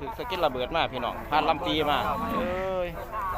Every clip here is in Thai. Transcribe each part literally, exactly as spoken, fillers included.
ถือสกิลระเบิดมาพี่น้องผ่านลำปีมาเอ้ย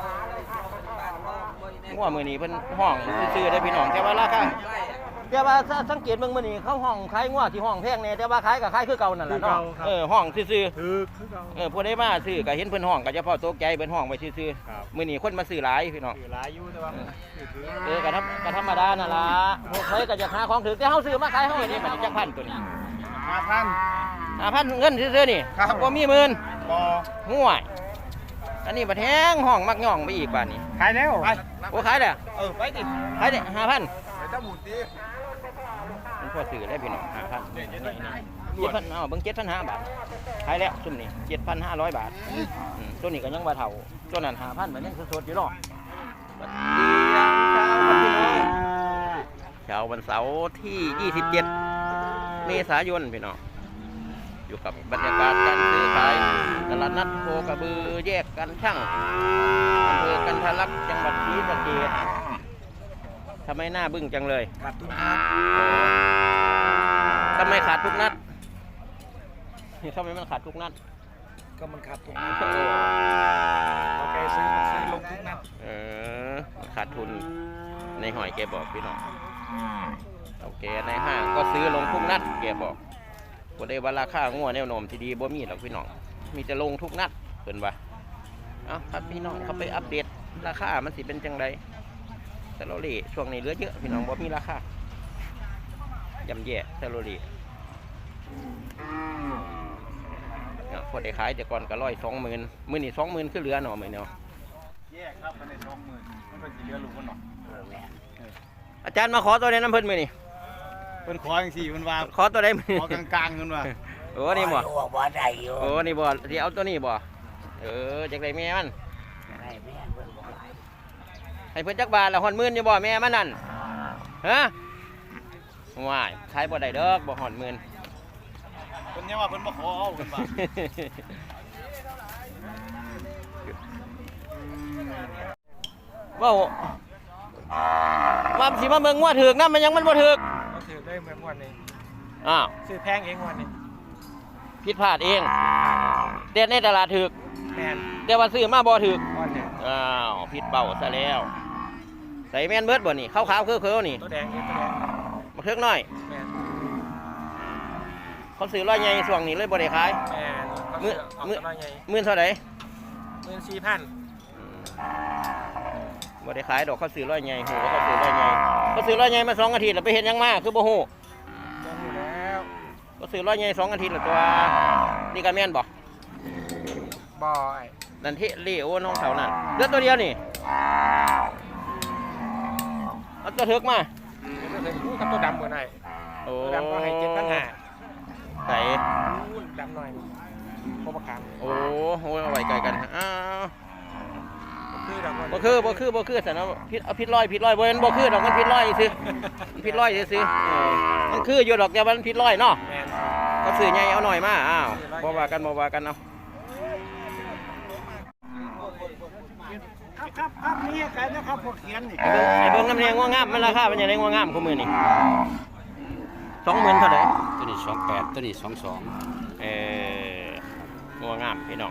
งัวมือนี้เพิ่นห้องซื่อๆได้พี่น้องแต่ว่าราคาแต่ว่าสังเกตเบิ่งมื้อนี้เขาห้องขายงัวที่ห้องแพงแน่แต่ว่าขายก็ขายคือเก่านั่นแหละเนาะเออห้องซื่อๆคือคือเก่าเออผู้ใดมาซื้อก็เห็นเพิ่นห้องก็เฉพาะตกใจเพิ่นห้องไว้ซื่อๆมื้อนี้คนมาซื้อหลายพี่น้องซื้อหลายอยู่แต่ว่าเออก็ธรรมก็ธรรมดานั่นล่ะพวกใครก็จะหาของถูกแต่เฮาซื้อมาขายเฮานี่บัดนี้จักพันตัวนี้ห้าพัน ห้าพันเงินซื่อๆนี่บ่มีหมื่นบ่ห่วยอันนี้บัดแฮงห้องมักย่องไปอีกบาดนี้ขายแล้วไปโอ้ขายแล้วเออไปดิขายได้ ห้าพัน ไปตะหมุดดิมันพอซื้อได้พี่น้อง ห้าพัน นี่ๆๆ เจ็ดพัน เอ้าเบิ่ง เจ็ดพันห้าร้อย บาทขายแล้วซุ่มนี้ เจ็ดพันห้าร้อย บาทอืมตัวนี้ก็ยังบ่เท่าตัวนั้น ห้าพัน มันยังสดๆอยู่เนาะบัดเดียวเช้าวันพี่น้องเช้าวันเสาร์ที่ยี่สิบเจ็ดเมษายนพี่น้องอยู่กับบรรยากาศการซื้อขายตลาดนัดโคกระบือแยกกันช่างอำเภอกันทะลักจังหวัดศรีสะเกษทำไมหน้าบึ้งจังเลยขาดทุกนัดทำไมขาดทุกนัดทำไมมันขาดทุกนัดก็มันขาดทุกนัดโอเคซื้อซื้อลงทุกนัดเออขาดทุนในหอยแกบอกพี่น้องโอเคในห้างก็ซื้อลงทุกนัดแกบอกบ่ได้ว่าราคางัวแนวโน้มที่ดีบ่มีหรอกพี่น้องมีจะลงทุกนัดเพิ่นว่าเอ้าครับพี่น้องเขาไปอัปเดตราคามันสิเป็นจังไดซาโลเล่ช่วงนี้เหลือเยอะพี่น้องบ่มีราคาย่ำแย่ซาโลเล่เนาะพอได้ขายแต่ก่อนก็ร้อยสองหมื่นมื้อนี้สองหมื่นคือเหลือเนาะมื้อเนาะแย่ครับมันได้สองหมื่นมันก็สิเหลือลูกมันเนาะอาจารย์มาขอตัวใดน้ำเพิ่นมื้อนี้เพิ่นขอจังซี่เพิ่นว่าขอตัวใดมื้อนี้ขอกลางๆเพิ่นว่าโอ้นี่บ่บ่ได้อยู่โอ้นี่บ่สิเอาตัวนี้บ่เออจักได้แม่มันได้แม่เพิ่นบ่หลายให้เพิ่นจักบาทละฮอดหมื่นอยู่บ่แม่มันนั่นฮะว้ายขายบ่ได้ดอกบ่ฮอดหมื่นเพิ่นยังว่าเพิ่นบ่ขอเอาเพิ่นว่าว้าวว่าสิมาเบิ่งงัวถึกนำมันยังมันบ่ถึกบ่ถึกได้เหมือนวันนี้อ้าวซื้อแพงเองวันนี้ผิดพลาดเองเด็ดในตลาดถึกแม่นแต่ว่าซื้อมาบ่ถึกอ้าวผิดเป้าซะแล้วใส่แม่นเบิดบ่นี่ขาวๆคือๆนี่ตัวแดงนี่ตัวแดงบ่ถึกน้อยแม่นเขาซื้อร้อยใหญ่ช่วงนี้เลยบ่ได้ขายแม่นมื้อมื้อมื้อเท่าใด หนึ่งหมื่นสี่พัน บ่ได้ขายดอกเขาซื้อร้อยใหญ่โหเขาซื้อร้อยใหญ่เขาซื้อร้อยใหญ่มาสองอาทิตย์แล้วไปเห็นยังมาคือบ่ฮู้ยังอยู่แล้วเขาซื้อร้อยใหญ่สองอาทิตย์แล้วตัวนี่ก็แม่นบ่บ่ไอ้นั่นที่เลโอน้องเฒ่านั่นเลือดตัวเดียวนี่เอาตัวถึกมาตัวถึกคู่กับตัวดำบ่ได้โอ้ดำก็ให้ เจ็ดพันห้าร้อย ใส่ดำหน่อยบ่ประกันโอ้โหเอาไว้ไกลกันอ้าวบ่คือบ่คือบ่คือแต่เนาะพิษเอาพิษร้อยพิษร้อยบ่แม่นบ่คือดอกมันพิษร้อยซื่อพิษร้อยซื่อมันคืออยู่ดอกแต่ว่ามันพิษร้อยเนาะก็ซื้อใหญ่เอาหน่อยมาอ้าวบ่ว่ากันบ่ว่ากันเอาครับครับครับนี่ใครนะครับพวกเขียนนี่ไอ้เบิ่งน้ำแดงงัวงามมันราคาเป็นจังได๋งัวงามคู่มื้อนี่ สองหมื่นเท่าใดตัวนี้สองแปดตัวนี้สองสองเอ่องัวงามพี่น้อง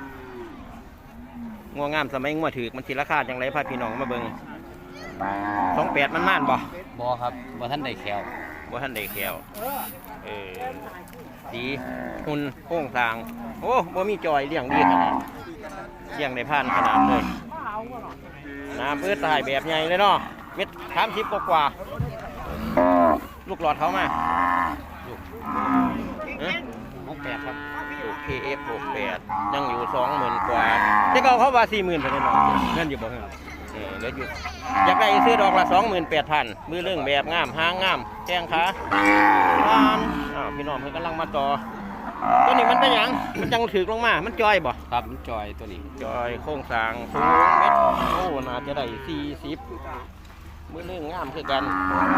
งัวงามสมัยงัวถือมันสิราคาจังไรพาพี่น้องมาเบิ่งสองแปดมันม่านบ่บ่ครับบ่ท่านได้แขวบ่ท่านได้แขวเออสีหุ่นโค้งสร้างโอ้บ่มีจอยเลี้ยงดีขนาดเลี้ยงได้ผ่านขนาดเลยน้ำเอื้อตายแบบใหญ่เลยเนาะเม็ดสามสิบกว่าลูกหลอดเขามาลูกหกแปดครับลูก เค เอฟ หกแปดยังอยู่สองหมื่นกว่าแต่เขาเขาว่าสี่หมื่นเท่านั้นเงินอยู่บ่เงินเออเหลืออยู่อยากได้ซื้อดอกละสองหมื่นแปดพันมือเรื่องแบบงามหางงามแข้งขาบ้านอ้าวพี่น้องเพิ่นกำลังมาต่อตัวนี้มันเป็นหยังมันจังถือลงมามันจอยบ่ครับมันจอยตัวนี้จอยโค้งสร้างสูงเม็ดโอ้น่าจะได้สี่สิบมือเรื่องงามคือกัน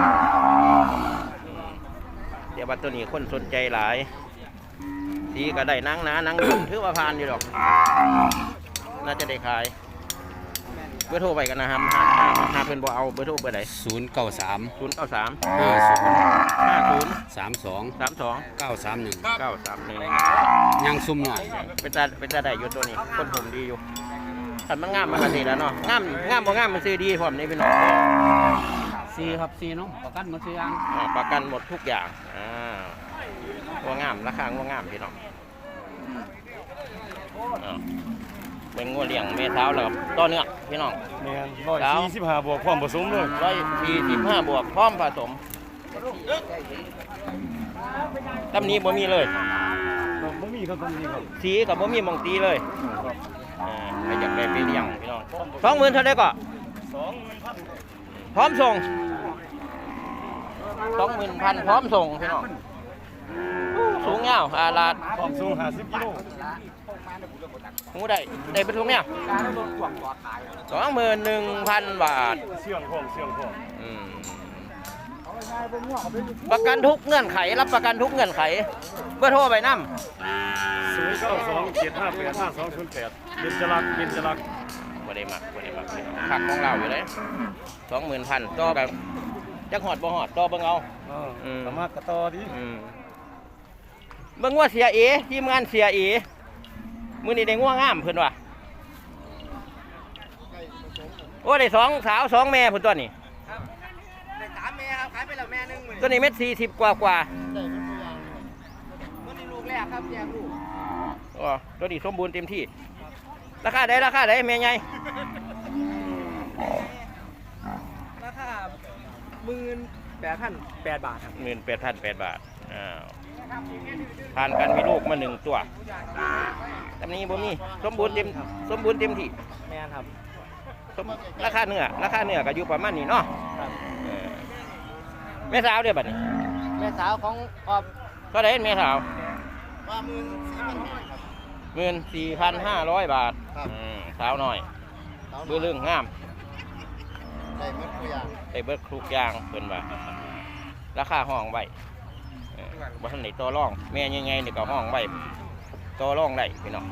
เดี๋ยวบัดตัวนี้คนสนใจหลายสีก็ได้นังนะนังดุถือว่าผ่านอยู่ดอกน่าจะได้ขายเบอร์โทรไปกันนะครับหาเพื่อนบ่เอาเบอร์โทรเบอร์ไหนศูนย์เก้าสามศูนย์เก้าสามห้าศูนย์ห้าศูนย์สามสองสามสองเก้าสามหนึ่งเก้าสามหนึ่งยังซุ่มหน่อยเป็นตาเป็นตาได้อยู่ตัวนี้คนผมดีอยู่ขันมันงามมันก็ดีแล้วเนาะงามงามบ่งามมันซื้อดีพร้อมนี่พี่น้องซีครับซีเนาะประกันหมดทุกอย่างอ่าประกันหมดทุกอย่างอ่าว่างามราคาว่างามพี่น้องอ่าเป็นงัวเลี้ยงเมท้าแล้วต่อเนื้อพี่น้องแม่นร้อยสี่สิบห้าบวกความผสมเลยร้อยสี่สิบห้าบวกพร้อมผสมตำนี้บ่มีเลยบ่มีครับตรงนี้ครับสีกับบ่มีหมองตีเลยอ่าใครอยากได้ไปเลี้ยงพี่น้องสองหมื่นเท่าไดก็สองหมื่นพันพร้อมส่งสองหมื่นพันพร้อมส่งพี่น้องสูงเงาอาลาดความสูงห้าสิบกิโลหูได้ได้เป็นทุกเนี่ยสองหมื่นหนึ่งพันบาทเสี่ยงของเสี่ยงของอืมประกันทุกเงื่อนไขรับประกันทุกเงื่อนไขเบอร์โทรไปน้ำศูนย์เก้าสองเจ็ดห้าแปดห้าสองศูนย์แปดเป็นจรักเป็นจรักบ่ได้มักบ่ได้มักผักของเราอยู่เลยสองหมื่นพันต่อแบบจักหอดบ่หอดต่อเบิ่งเอาอ่าอืมสามารถกระต่อดีอืมเบิ่งว่าเสียเอทีมงานเสียเอมื้อนี้ได้ง่วงงามเพิ่นว่ะโอ้ได้สองสาวสองแม่เพิ่นตัวนี้ได้สามแม่ครับขายไปแล้วแม่หนึงมื้อตัวนี้เม็ดสี่สิบกว่ากว่าตัวนี้ลูกแรกครับแยกลูกอ๋อตัวนี้สมบูรณ์เต็มที่ราคาได้ราคาได้แม่ใหญ่ราคาหมื่นแปดพันแปดบาทครับหมื่นแปดพันแปดบาทอ้าวผ่านกันมีลูกมาหนึ่งตัวตำนี้บ่มีสมบูรณ์เต็มสมบูรณ์เต็มที่แม่นครับสมราคาเนื้อราคาเนื้อก็อยู่ประมาณนี้เนาะครับเออแม่สาวเด้อบัดนี้แม่สาวของออบก็ได้แม่สาวว่าหมื่นสี่พันห้าครับหมื่นสี่พันห้าร้อยบาทครับอืมสาวน้อยเบื้อเรื่องงามได้หมดทุกอย่างได้เบิดครุกอยางเพิ่นว่าราคาห้องไว้เออบ่ทันได้ต่อรองแม่ใหญ่ๆนี่ก็ห้องไว้ต่อรองได้พี่น้อง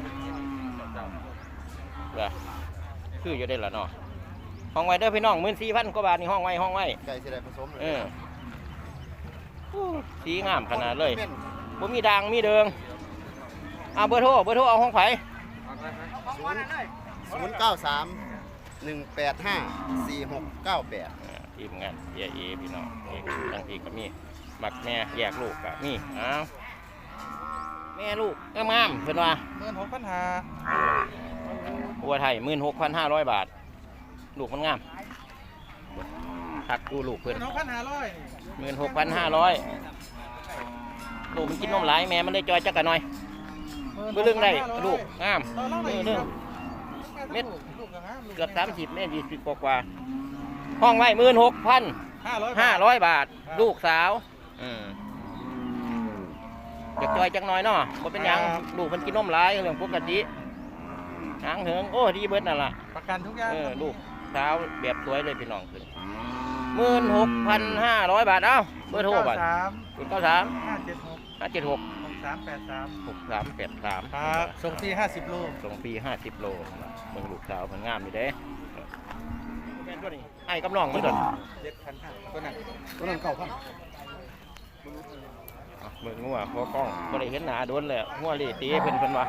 เด้อคืออยู่ได้ละเนาะห้องไว้เด้อพี่น้องหมื่นสี่พันกว่าบาทนี่ห้องไว้ห้องไว้ไก่สิได้ผสมเอออู้สีงามขนาดเลยเป็นบ่มีด่างมีเดิงเอาเบอร์โทรเบอร์โทรเอาห้องไผศูนย์ศูนย์เก้าสามหนึ่งแปดห้าสี่หกเก้าแปดอ่าทีมงานเอเอพี่น้องเอกทั้งอีกก็มีมักแม่แยกลูกก็มีอ้าวแม่ลูกงามๆเพิ่นว่าหมื่นหกพันห้าบัวไทยหมื่นหกพันห้าร้อยบาท ลูกมันงามทักดูลูกเพิ่นหกพันห้าร้อยหมื่นหกพันห้าร้อยลูกมันกินนมหลายแม่มันเลยจอยจักกันหน่อยเพื่อเรื่องได้ลูกงามเออเรื่องเม็ดเกือบสามสิบเม็ดยี่สิบกว่าห้องไว้หมื่นหกพันห้าร้อยห้าร้อยบาท ลูกสาวอืมอยากจอยจังหน่อยเนาะบ่เป็นหยังลูกมันกินนมหลายเรื่องปกติหางเหิงโอ้ดีเบิดนั่นล่ะประกันทุกอย่างเออลูกสาวแบบสวยเลยพี่น้องขึ้นหมื่นหกพันห้าร้อยบาทเอ้าเบอร์โทรบัตรสามศูนย์เก้าสามห้าเจ็ดหกห้าเจ็ดหกหกสามแปดสามหกสามแปดสามครับส่งฟรีห้าสิบโลส่งฟรีห้าสิบโลเมืองลูกสาวมันงามอยู่เด้ไอ้กำลังมันโดนเจ็ดพันห้าตัวนั้นตัวนั้นเก้าพันเมืองงัวพอกล้องบ่ได้เห็นหน้าโดนเลยงัวเละตีเพิ่นเพิ่นว่า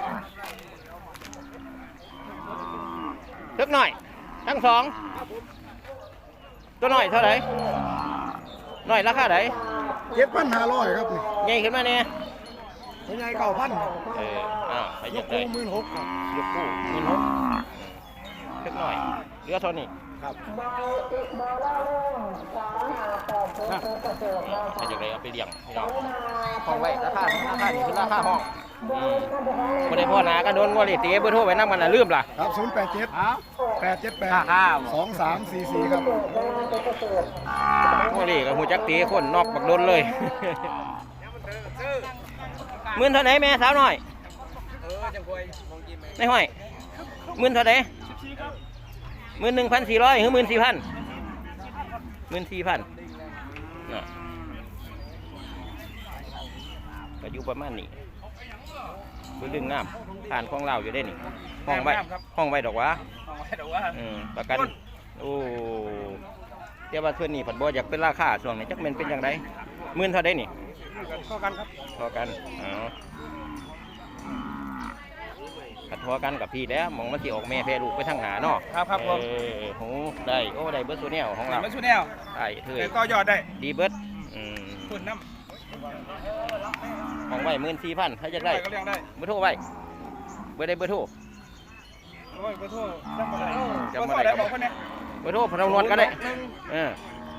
ทึกหน่อยทั้งสองตัวหน่อยเท่าไหร่หน่อยราคาไหนเจ็ดพันห้าร้อยครับนี่ใหญ่ขึ้นมาเนี่ยตัวใหญ่เก้าพันเอออ้าวไปยยักงไงคู่หมื่นหกครับยกคู่หมื่นหกทึกหน่อยเหลือเท่านี้ครับถ้าอย่างไรเอาไปเลี้ยงพี่น้องห้องไว้ราคาราคานี่คือราคาห้องอืมบ่ได้พ่อหนาก็โดนงัวเละตีเบอร์โทรไว้นำกันน่ะลืมล่ะครับศูนย์แปดเจ็ดแปดเจ็ดแปดข้าวสองสามสี่สี่ครับโมลีกับหูจักตีคนนอกบักโดนเลย หมื่นเท่าไหนแม่สาวน้อยเออจังควยมองกินไหมไม่ห้อยหมื่นเท่าไหนหมื่นหนึ่งพันสี่ร้อยหรือหมื่นสี่พันหมื่นสี่พันก็อยู่ประมาณนี้คือดึงน้ำผ่านคลองเราอยู่ได้นี่ห้องไว้ห้องไว้ดอกวะเอาไว้เดี๋ยวว่าอืมประกันโอ้เดี๋ยวว่าเพื่อนนี่ผัดบัวอยากเป็นราคาช่วงนี้จักแมันเป็นอย่างไรหมื่นเท่าไดนี่เข้ากันครับพอกันอ๋อขัดทอกันกับพี่แล้วมองมันสิออกแม่แพร่ลูกไปทางหนาเนาะครับครับผมเออหูได้โอ้ได้เบิร์ดโซเนียของเรามาชูแนวได้เถแต่ยก็ยอดได้ดีเบิร์ดอืมคุณน้ของไว้หมื่นสี่พันถ้าจะำได้ก็เลี้ยงได้เบอร์โทรไว้เบอร์ได้เบอร์โทรโอ้ยขอโทษจำอะไรจำขอบ่โทได้ษได้บอกคนเนี้ยเบอร์โทรพนักงานก็ได้เออ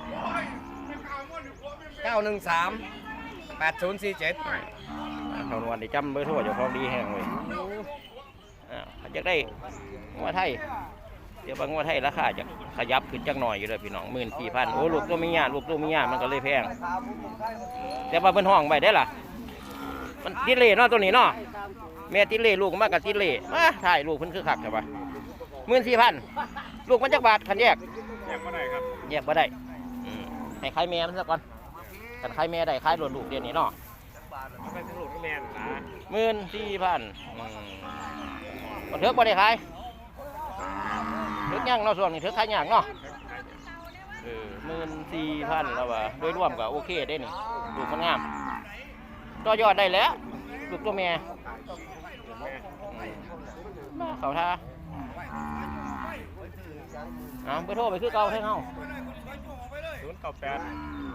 เก้าหนึ่งสามแปดศูนย์สี่เจ็ดพนักงานได้จำเบอร์โทรเจ้าของดีแห้งเลยอ่าอยากได้งัวไทยเดี๋ยวบางงัวไทยราคาจะขยับขึ้นจักหน่อยอยู่เลยพี่น้องหมื่นสี่พันโอ้ลูกตัวมีหยาลูกตัวมีหยามันก็เลยแพงแต่ว่าเป็นห้องไว้ได้ล่ะมันติเล่เนาะตัวนี้เนาะแม่ติเล่ลูกมากกับติเล่มาถ่ายลูกเพิ่นคือคักใช่ปะหมื่นสี่พันลูกมันจักบาทคันแยกแยกมาได้ครับแยกบ่ได้อืมให้ขายแม่มันซะก่อนกันขายแม่ได้ขายโดนลูกเดี๋ยวนี้เนาะไปสรุปแมนนะหมื่นสี่พันก็เถือกบ่ได้ขายเถือกย่างเนาะส่วนนี้เถือกขายย่างเนาะเออหมื่นสี่พันแล้วว่าโดยรวมก็โอเคได้นี่ลูกมันงามต่อยอดได้แล้วลูกตัวแม่มาเขาท่าเอาไปโทรไปคือเก่าให้เฮาศูนย์เก้าแปด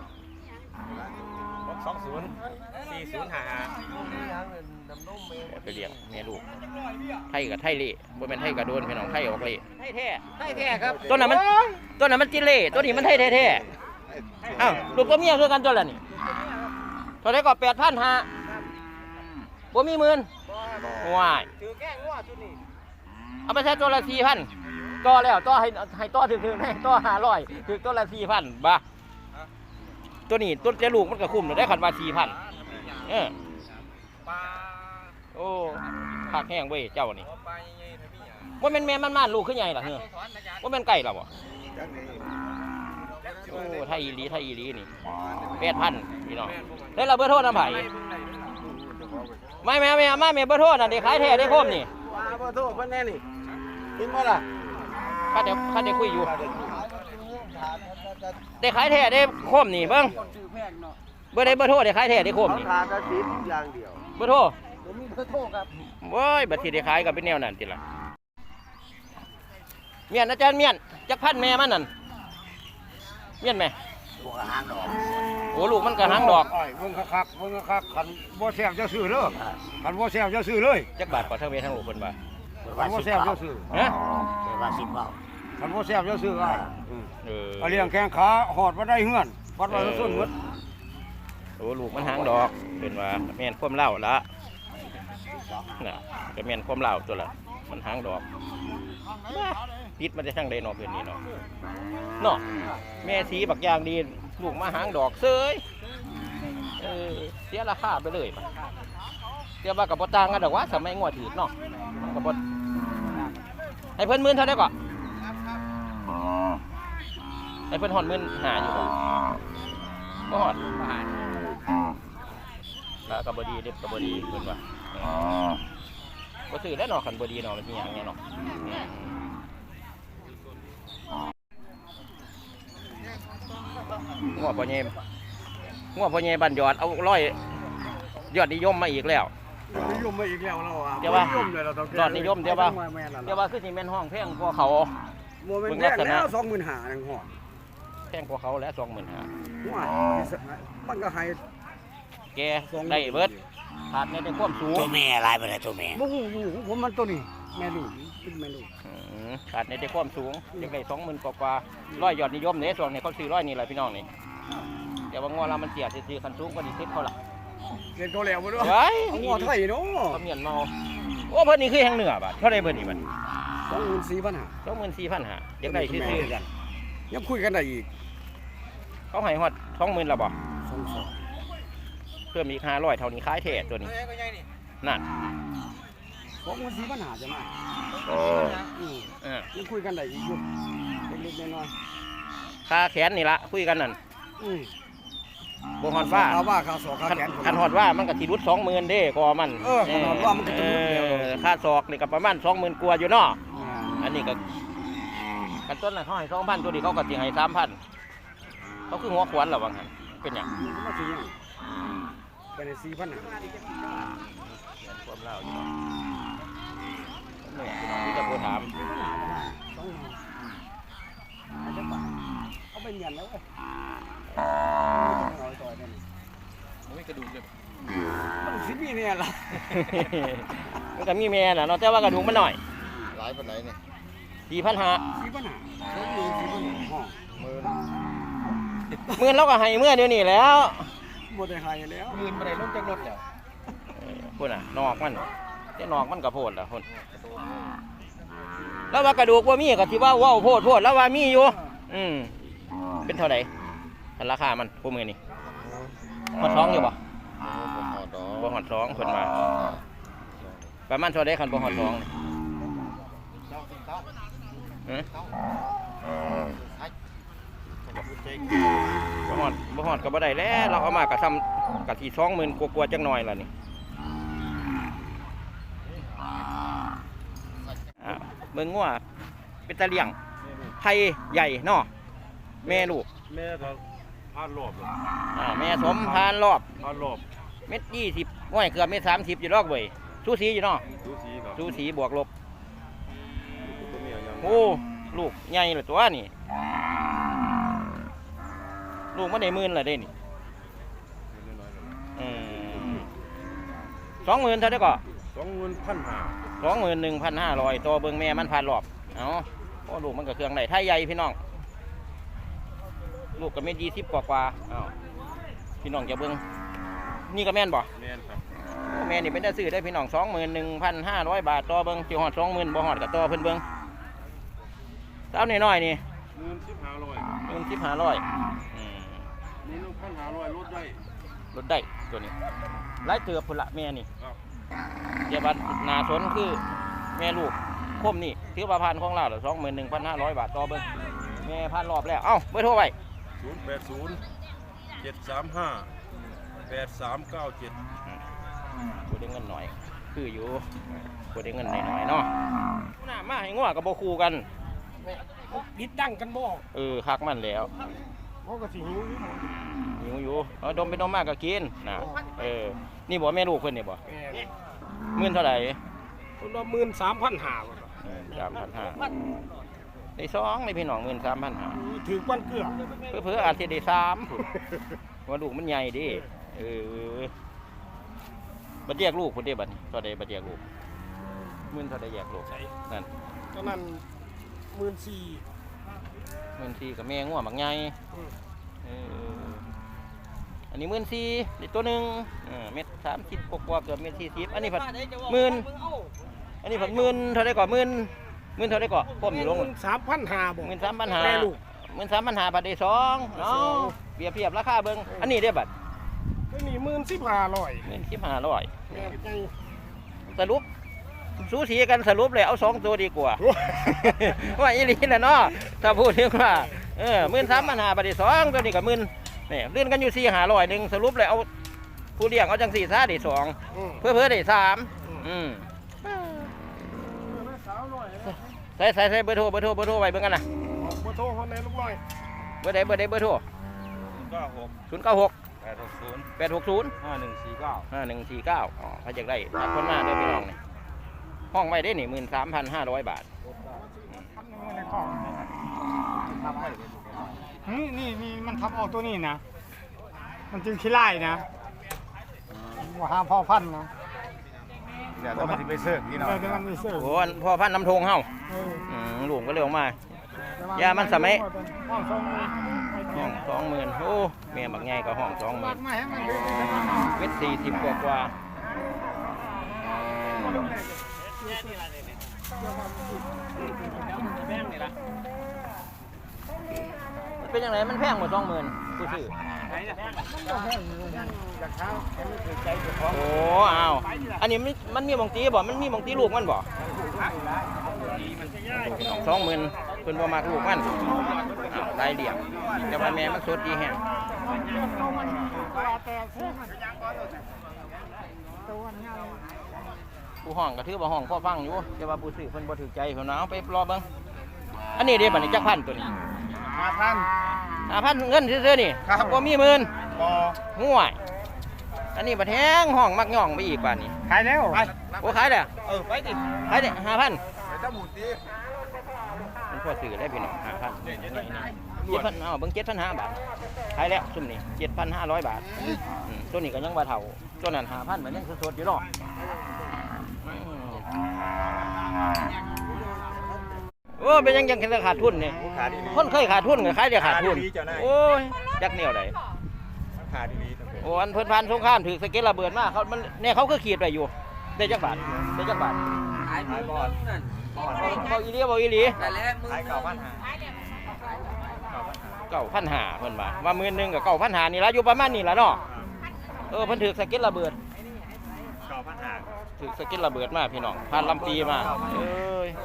หกสองศูนย์สี่ศูนย์ห้าห้าไปเลี้ยงแม่ลูกไทยกับไทยเล่บ่แม่นไทยกับโดนพี่น้องไทยออกเล่ไทยแท้ไทยแท้ครับตัวนั้นมันตัวนั้นมันจิเล่ตัวนี้มันไทยแท้ๆอ้าวลูกตัวเมียคือกันตัวละนี่เท่าไหร่ก็แปดพันห้าบ่มีหมื่นว้ายถือแก้งัวชุดนี้เอาไปใช้ตัวละสี่พันต่อแล้วต่อให้ให้ต่อถึงๆให้ต่อห้าร้อยถึงตัวละสี่พันบ่ตัวนี้ตัวจะลูกมันก็คุ้มได้ขันว่าสี่พันเออโอ้ผักแห้งเว้ยเจ้านี่ว่าเป็นแม่มันม่านลูกขึ้นใหญ่หรอเฮ้ยว่าเป็นไก่หรอวะโอ้ไทยอีหลีไทยอีหลีนี่แปดพันพี่น้องได้เราเบอร์โทรน้ำไผ่ไม่แม่แม่มาแม่เบอร์โทรน่ะเด็กขายแท้ได้คมนี่เบอร์โทรเพิ่นแน่นี่กินบ่ล่ะข้าเดี๋ยวข้าเดี๋ยวคุยอยู่เด็กขายแท้ได้คมนี่เบิ้งเบอร์ได้เบอร์โทรเด็กขายแท้ได้คมนี่ทานจะสิบอย่างเดียวเบอร์โทรผมมีเบอร์โทรครับโว้ยบัตรที่ได้ขายกับเป็นแนวนั่นติละเมียนอาจารย์เมียนจักพันแม่มันนั่นเมียนไหมโอ้ลูกมันกระหังดอกเบิ่งคักๆเบิ่งคักๆคันบ่แซ่บจะซื้อเด้อคันบ่แซ่บจะซื้อเลยจักบาทกว่าทั้งเวทั้งลูกคนบ่าคันบ่แซ่บจะซื้อฮะคันบ่แซ่บจะซื้ออ่ะเออเอาเลี้ยงแข้งขาหอดบ่ได้เฮือนวัดว่าส้นหมดโอ้ลูกมันหางดอกเป็นว่าแม่นความเล่าละน่ะก็แม่นความเล่าตัวละมันหางดอกปิดมันจะช่างได้เนาะเพื่อนนี่เนาะเนาะแม่สีบักอย่างดีลูกมาหางดอกเซยเออเสียราคาไปเลยปะเสียว่ากับปต่างกันดอกว่าสมัยงวดถือเนาะกับปให้เพิ่นหมื่นเท่าได้ก่อนให้เพิ่นหอดหมื่นหาอยู่ก่อนก็หอดแล้วกับบดีเด็บกับบดีเพิ่นว่าก็ซื้อได้เนาะขันบดีเนาะมันมีอย่างเงี้ยเนาะงัวพ่อเย่งัวพ่อเย่บันยอดเอาร้อยยอดนิยมมาอีกแล้วนิยมมาอีกแล้วเราอ่ะเดี๋ยวว่านิยมเลยเราต้องยอดนิยมเดี๋ยวว่าเดี๋ยวว่าคือสิแม่นห้องแพงกว่าเขาโมเมนต์แรกแล้วสองหมื่นห้านึงห้องแพงกว่าเขาแล้วสองหมื่นห้าว่ามันก็ให้แกได้เบิดขาดในในความสูงตัวแม่อะไรไปเลยตัวแม่บ่ฮู้อยู่ของผมมันตัวนี้แม่ลูกเป็นแม่ลูกอืมขาดในในความสูงยังได้สองหมื่นกว่าๆร้อยยอดนิยมเนี่ยส่วนนี้เขาซื้อร้อยนี่แหละพี่น้องนี่เดี๋ยวว่างัวเรามันเสียซื้อคันสูงกว่าดีเซ็ตเขาล่ะเรียนตัวแล้วบ่ด้วยเฮ้ยหัวไทยเนาะเขาเมียนเมาโอ้เพิ่นนี่คือแห่งเหนือบัดเท่าไรเพิ่นนี่มันสองหมื่นสี่พันห้าสองหมื่นสี่พันห้ายังได้ซื้อกันยังคุยกันได้อีกๆเขาให้ฮอดสองหมื่นละบ่สองสองเพิ่มอีกห้าร้อยเท่านี้ขายแท้ตัวนี้นั่นสองหมื่นสี่พันห้าจะมาอืมเออยังคุยกันได้อีกอยู่เล็กๆน้อยค่าแขนนี่ละคุยกันนั่นๆอืมบ่ฮอดฟ้าค่าว่าค่าสอกค่าคันแขนคันฮอดว่ามันก็สิรุดสองหมื่นเด้กอมันเออคันฮอดว่ามันก็จะรุดเดียวเออค่าศอกนี่ก็ประมาณสองหมื่นกว่าอยู่เนาะอ่าอันนี้ก็กันต้นน่ะเขาให้สองพันตัวนี้เขาก็สิให้สามพันเขาคือหัวขวานเหรอวังหันเป็นหยังมันก็มาสิยังไปในสี่พันห้าความเล่าอยู่เนาะเนื้อพี่น้องที่จะโทรถามสองหมื่นอาจจะบาทเอาไปเงินแล้วเว้ยเอาต่อยเนี่ยไม่กระดูกเลยมันสิมีเนี่ยล่ะมันก็มีแม่น่ะเนาะแต่ว่ากระดูกมันหน่อยหลายปานไหนเนี่ยสี่พันห้าสิปัญหาสองหมื่นสิปัญหาห้องหมื่นหมื่นเราก็ให้เมื่อเดี๋ยวนี้แล้วบ่ได้ให้แล้วหมื่นบ่ได้ลงจากรถแล้วพุ่นน่ะนอกมันแต่นอกมันก็โพดล่ะพุ่นแล้วว่ากระดูกว่ามีก็สิว่าว้าวโพดโพดแล้วว่ามีอยู่อืมเป็นเท่าไหร่ราคามันพวกมือนี่หอดท้องอยู่บ่บ่พอดอกบ่หอดท้องเพิ่นมาประมาณเท่าใดคันบ่หอดท้องนี่ฮะบ่หอดบ่หอดก็บ่ได้แล้วเราเอามากะซ้ำกะสิ สองหมื่น กว่าๆจังหน่อยล่ะนี่อ่าเบิ่งงัวเป็นตะเลี่ยงไทยใหญ่เนาะแม่ลูกแม่ก็พานรอบเลยอ่าแม่สมพานรอบพานรอบเม็ดยี่สิบห้อยเกือบเม็ดสามสิบอยู่รอกเว้ยสูสีอยู่เนาะดูสีครับสูสีบวกลบตัวเมียยังโอ้ลูกใหญ่เลยตัวนี่ลูกมันได้หมื่นเลยเด้นี่น้อยๆเลยอืมสองหมื่นเท่าได้ก็สองหมื่นพันห้าสองหมื่นหนึ่งพันห้าร้อยตัวเบิ้งแม่มันผ่านรอบเอาโอ้ลูกมันก็เครื่องได้ไทยใหญ่พี่น้องลูกก็เม็ดยี่สิบกว่ากว่าเอาพี่น้องจะเบิ้งนี่ก็แม่นบ่แม่นครับแม่นี่เป็นได้ซื้อได้พี่น้องสองหมื่นหนึ่งพันห้าร้อยบาทต่อเบิ้งจิ๋วหอดสองหมื่นบ่หอดกับต่อเพิ่นเบิ้งเต้าน้อยๆนี่หมื่นสิบห้าร้อยหมื่นสิบห้าร้อยนี่ลูกพันห้าร้อยลดได้ลดได้ตัวนี้ไล่เตือบพุ่นละแม่นี่ครับเดี๋ยวบัดนาสนคือแม่ลูกคมนี่ถือว่าพันของเราเหรอสองหมื่นหนึ่งพันห้าร้อยบาทต่อเบิ้งแม่พันรอบแล้วเอ้าเบอร์โทรไว้ศูนย์แปดศูนย์เจ็ดสามห้าแปดสามเก้าเจ็ดกูได้เงินหน่อยคืออยู่กูได้เงินหน่อยๆเนาะหน้ามาให้งัวกับโบคูกันบิดดังกันบ่เออคักมันแล้วเขาก็สิหิวอยู่หิวอยู่เอาดมไปดมมากก็กินนะเออนี่บอกแม่ลูกเพิ่นนี่บ่แม่หมื่นเท่าไหร่คนละหมื่นสามพันห้าบ่สามพันห้าได้สองในพี่น้องหมื่นสามพันห้าถือวันเกลือเพื่อเพื่ออาจจะได้สามพุ่นว่าลูกมันใหญ่ดิเออบัดแยกลูกพุ่นเด้บัดนี้เท่าใดบัดแยกลูกหมื่นเท่าใดแยกลูกนั่นตอนนั้นหมื่นสี่หมื่นสี่กับแม่งัวบักใหญ่เอออันนี้หมื่นสี่อีกตัวหนึ่งเออเม็ดสามสิบกว่าๆเกือบเม็ดสี่สิบอันนี้ผัดหมื่นอันนี้ผัดหมื่นเท่าไรก่อนหมื่นหมื่นเท่าไรก่อนพ่อมอยู่ลงสามพันห้าบ่หมื่นสามพันหาแม่ลูกหมื่นสามพันหาบัตรได้สองเนาะเปรียบเทียบราคาเบิ้งอันนี้ได้บัตรตัวนี้หมื่นสิบห้าร้อยหมื่นสิบห้าร้อยแม่ไงสรุปสูสีกันสรุปเลยเอาสองตัวดีกว่า ว่าอีหลีนะเนาะถ้าพูดถึงว่าเออหมื่นสามพันหาบัตรได้สองตัวนี้กับหมื่นเนี่ยเลื่อนกันอยู่สี่หาร้อยหนึ่งสรุปเลยเอาผู้เลี้ยงเอาจังสี่ซาได้สองอืมเพื่อเพื่อได้สามอืมใส่ใส่ใส่เบอร์โทรเบอร์โทรเบอร์โทรไว้เบิ่งกันนะบ่โทรคนในลูกน้อยเบอร์ใดเบอร์ใดเบอร์โทรเก้าหกศูนย์เก้าหกแปดหกศูนย์แปดหกศูนย์ห้าหนึ่งสี่เก้าห้าหนึ่งสี่เก้าอ๋อถ้าอยากได้ตัดคนมาเด้อพี่น้องนี่ห้องไว้ได้หนึ่งหมื่นสามพันห้าร้อยบาทนี่นี่นี่มันทับเอาตัวนี้นะ มันจึงขี้ไล่นะว่าห้ามพ่อพันธุ์นะเดี๋ยวต้องมาที่ไปเสิร์ฟนี่หน่อยเดี๋ยวมันไม่เสื่อมโอ้ยพ่อพันธุ์น้ำทงเฮาเอออืมหลวงก็เลยออกมา ยามันสมัยห้องสองมือห้องสองหมื่นโอ้แม่บักใหญ่ก็ห้องสองหมื่บันกมาให้มันดูดีนะเม็ดสี่สิบกว่ากว่ามันเป็นยังไงมันแพงหมดสองหมื่นกูซื้อจากเช้าแกไม่เคยใจเจ้าของโอ้อ้าวอันนี้มันมันมีหมองตีบ่มันมีหมองตีลูกมันบ่สองหมื่นเพิ่นบ่มักลูกมันอ้าวรายเดี่ยงแต่ว่าแม่มันสดดีแฮงผู้ห้องก็ถือว่าห้องพ่อฟังอยู่แต่ว่าผู้ซื้อเพิ่นบ่ถูกใจเพิ่นเอาไปรอเบิ่งอันนี้เด้บัดนี้จักพันตัวนี้ห้าพันห้าพันเงินซื่อๆนี่ครับบ่มีหมื่นบ่ห่วยอันนี้บัดแฮงห้องมักย่องไปอีกบาดนี้ขายแล้วโอ้ขายแล้วเออไปดิขายได้ห้าพันเมันพอซื้อได้พี่น้องห้าพันเจ็ดพันเอาเบิ่งเจ็ดพันห้าบาทขายแล้วซุ่มนี่เจ็ดพันห้าร้อยบาทอืมตัวนี้ก็ยังว่าเท่าตัวนั้นห้าพันมันยังสดๆอยู่หรอกโอ้เป็นยังยังขาดทุนเนี่ยคนเคยขาดทุนก็ขายได้ขาดทุนโอ้ยจักแนวไหนขาดดีโอ้อันเพิ่นพันสงครามถือสเก็ตระเบิดมากเขามันเนี่ยเขาก็ขีดไปอยู่ได้จักบาทได้จักบาทขายบอลบอกอีหลีบอกอีหลีขายเก่าพันหาเก่าพันหาเพิ่นว่าว่าหมื่นหนึ่งกับเก่าพันหานี่ละอยู่ประมาณนี้ละเนาะเออเพิ่นถือสเก็ตระเบิดเก่าพันหาถือสเก็ตระเบิดมาพี่น้องพันลำปีมาเอ้ย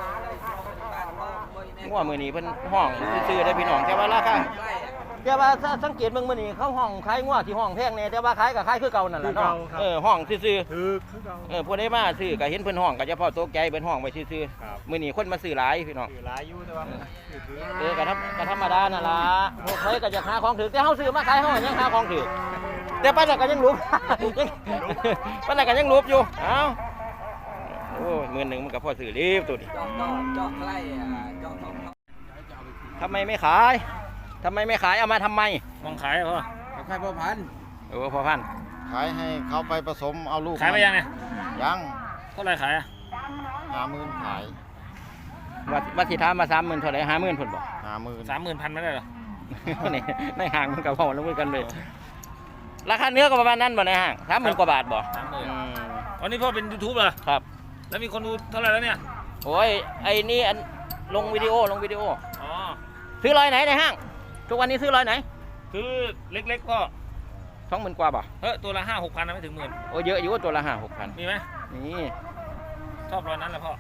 งัวมือนี้เพิ่นห้องซื้อได้พี่น้องแต่ว่าราคาแต่ว่าสังเกตเบิ่งมื้อนี้เขาห้องขายงัวที่ห้องแพงแน่แต่ว่าขายก็ขายคือเก่านั่นแหละเนาะเออห้องซื่อๆถือคือเก่าเออผู้ใดมาซื้อก็เห็นเพิ่นห้องก็เฉพาะตกใจเพิ่นห้องไว้ซื่อๆมื้อนี้คนมาซื้อหลายพี่น้องซื้อหลายอยู่แต่ว่าเออก็ธรรมก็ธรรมดานั่นล่ะพวกเฮ้ยก็จะหาของถือแต่เฮาซื้อมาขายเฮายังหาของถือแต่ปานนั้นก็ยังรูปปานนั้นก็ยังรูปอยู่เอ้าโอ้ยมื้อนึงมันก็พอซื้อรีบตัวนี้ทำไมไม่ขายทำไมไม่ขายเอามาทำไมมองขายพ่อขายพ่อพันเออพ่อพันขายให้เขาไปผสมเอาลูกขายไปยังไงยังเท่าไรขายอ่ะห้าหมื่นขายวัดวัดสิทามาสามหมื่นเท่าไรห้าหมื่นผลบอกห้าหมื่นสามหมื่นพันไม่ได้หรอนี่ในห้างมันกับพ่อแล้วมือกันเลยราคาเนื้อก็ประมาณนั้นบ่ในห้างสามหมื่นกว่าบาทบ่สามหมื่นวันนี้พ่อเป็นยูทูบเหรอครับแล้วมีคนดูเท่าไรแล้วเนี่ยโอ้ยไอ้นี่อันลงวิดีโอลงวิดีโออ๋อซื้อรอยไหนในห้างทุกวันนี้ซื้อรอยไหนซื้อเล็กๆก็สองหมื่นกว่าบ่เฮ้ยตัวละห้าหกพันนะไม่ถึงหมื่นโอ้เยอะอยู่ตัวละห้าหกพันมีไหมนี่ชอบรอยนั้นแหละพ่อ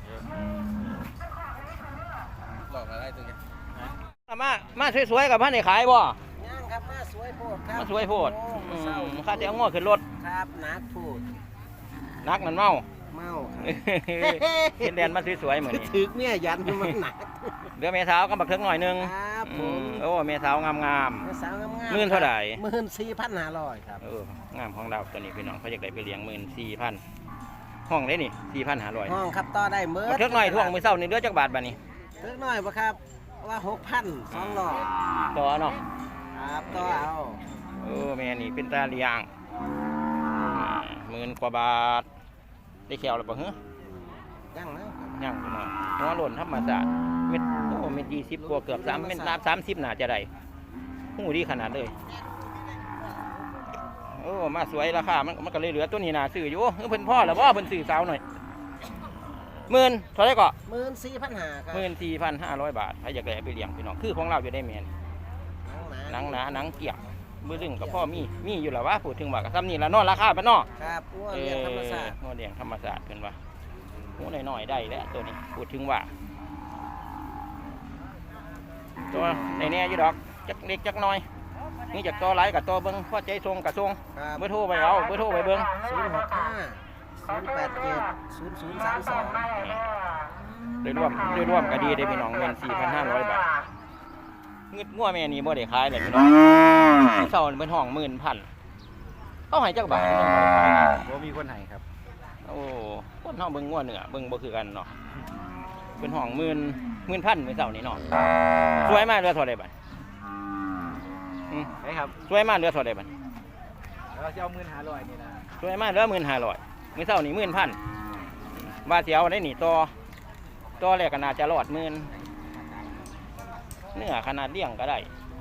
หลอกอะไรตัวนี้มามาสวยๆกับพ่อในขายบ่ย่างครับมาสวยโพดครับมาสวยโพดข้าจะเอาง้อขึ้นรถครับนักพูดนักนั่นเมาเมาเห็นแดนมาสวยๆเหมือนถือเมียยันมันหนักเรือเมสาวก็บักเทิงหน่อยนึงครับผมโอ้เมสาวงามงามเมสาวงามงามหมื่นเท่าไหร่หมื่นสี่พันห้าร้อยครับเอองามของเราตัวนี้พี่น้องเขาอยากได้ไปเลี้ยงหมื่นสี่พันห้องได้นี่สี่พันห้าร้อยห้องครับต่อได้เมื่อบักเทิงหน่อยท่วงมือเศร้านี่เดือจักบาทบาทนี่เทิงหน่อยปะครับว่าหกพันสองร้อยต่อเนาะครับต่อเอาเออแม่นี่เป็นตาเลี้ยงหมื่นกว่าบาทได้แขวหรือเปล่าเหรอยังนะยังเนาะหัวหล่นธรรมศาสตร์เม็ดโอ้เม็ดยี่สิบกว่าเกือบสามเม็ดน้ำสามสิบหนาจะได้หูดีขนาดเลยโอ้มาสวยราคามันมันก็เลยเหลือตัวนี้นาซื้ออยู่เพิ่นพ่อหรือว่าเพิ่นซื้อสาวหน่อยหมื่นเท่าไรก็หมื่นสี่พันห้าครับหมื่นสี่พันห้าร้อยบาทถ้าอยากได้ไปเลี้ยงพี่น้องคือของเราอยู่ได้เมียนหนังหนาหนังเกี่ยมือดึงกับพ่อมีมีอยู่แล้วว่าพูดถึงว่ากับซ้ำนี่ละนอราคาปะนอครับงัวเลี้ยงธรรมศาสตร์งัวเลี้ยงธรรมศาสตร์เพิ่นว่างัวน้อยๆได้แล้วตัวนี้พูดถึงว่าตัวในแน่อยู่ดอกจักเล็กจักน้อยนี่จากตัวไหลกับตัวเบิ้งพ่อใจทรงกับทรงเบอร์โทรไปเอาเบอร์โทรไปเบิ้งศูนย์หกห้าศูนย์แปดเจ็ดศูนย์ศูนย์สามสองโดยรวมโดยรวมก็ดีได้พี่น้องเงินสี่พันห้าร้อยบาทเงินงัวแม่นี่บ่ได้ขายเลยพี่น้องที่เสาเป็นห้องหมื่นพันเขาให้จักบาทบ่มีคนให้ครับโอ้คนห้องเบิ่งงัวเหนือเบิ่งบ่คือกันเนาะเป็นห้องหมื่นหมื่นพันเป็นเสานี่เนาะสวยมากเรือเท่าไรบ้างใช่ครับสวยมากเรือเท่าไรบ้างเราจะเอาหมื่นห้าร้อยนี่นะสวยมากเรือหมื่นห้าร้อยเป็นเสานี่หมื่นพันบาเสียวได้หนีต่อต่อแรกก็น่าจะรอดหมื่นเนื้อขนาดเลี้ยงก็ได้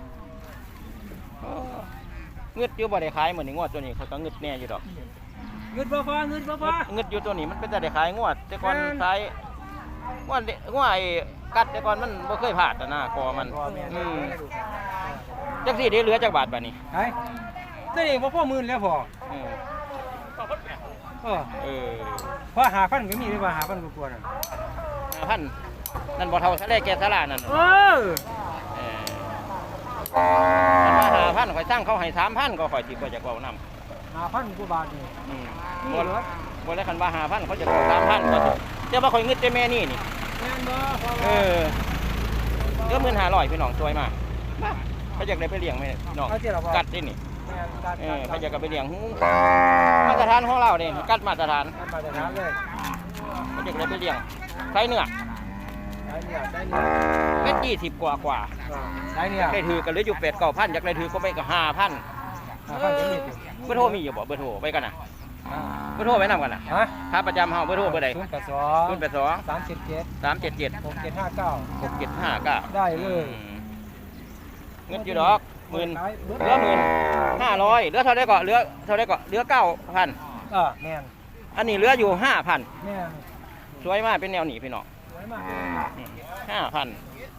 เงืดอยู่บ่ได้ขายเหมือนในงวดตัวนี้เขาก็เงืดแน่อยู่ดอกเงืดบ่พอเงืดบ่พอเงืดอยู่ตัวนี้มันเป็นแต่ได้ขายงวดแต่ก่อนขายงวดงวดไอ้กัดแต่ก่อนมันบ่เคยผ่าดแต่หน้าคอมันอืมจักสี่ได้เหลือจักบาทบาทนี้ไอ้ตัวนี้บ่พอหมื่นแล้วพอเออเออพอหาพันก็มีได้ว่าหาพันกว่าๆนั่นหาพันนั่นบ่เท่าทะเลแก่สลานั่นเออมันมาหาพันข่อยสร้างเขาให้สามพันก็ข่อยสิบ่จะเอานำหาพันกว่าบาทนี่อืมบ่บ่ได้คันว่าหาพันเขาจะเอาสามพันก็สิแต่ว่าข่อยงึดแต่แม่นี่นี่แม่นบ่เออเดือนหมื่นห้าร้อยพี่น้องสวยมากเขาอยากได้ไปเลี้ยงไหมน้องกัดได้นี่เออเขาอยากไปเลี้ยงหูมาตรฐานของเราเนี่ยกัดมาตรฐานมาตรฐานเลยมันจะได้ไปเลี้ยงไข่เนื้อได้เนี่ยได้เนี่ยเม็ดยี่สิบกว่ากว่าได้เนี่ยได้ถือกันหรืออยู่เป็ดเก้าพันอยากได้ถือก็ไปก็ห้าพันห้าพันจะมีถึงเบอร์โทรมีอยู่บ่เบอร์โทรไว้กันนะเบอร์โทรไว้นำกันนะฮะถ้าประจำเฮาเบอร์โทรเบอร์ใดศูนย์แปดสองศูนย์แปดสองสามเจ็ดเจ็ดสามเจ็ดเจ็ดหกเจ็ดห้าเก้าหกเจ็ดห้าเก้าได้เลยเงินอยู่ดอกหมื่นเหลือหมื่นห้าร้อยเหลือเท่าไดก็เหลือเท่าไดก็เหลือเก้าพันเออแม่นอันนี้เหลืออยู่ห้าพันแม่นสวยมากเป็นแนวหนีพี่น้องสวยมากห้าพัน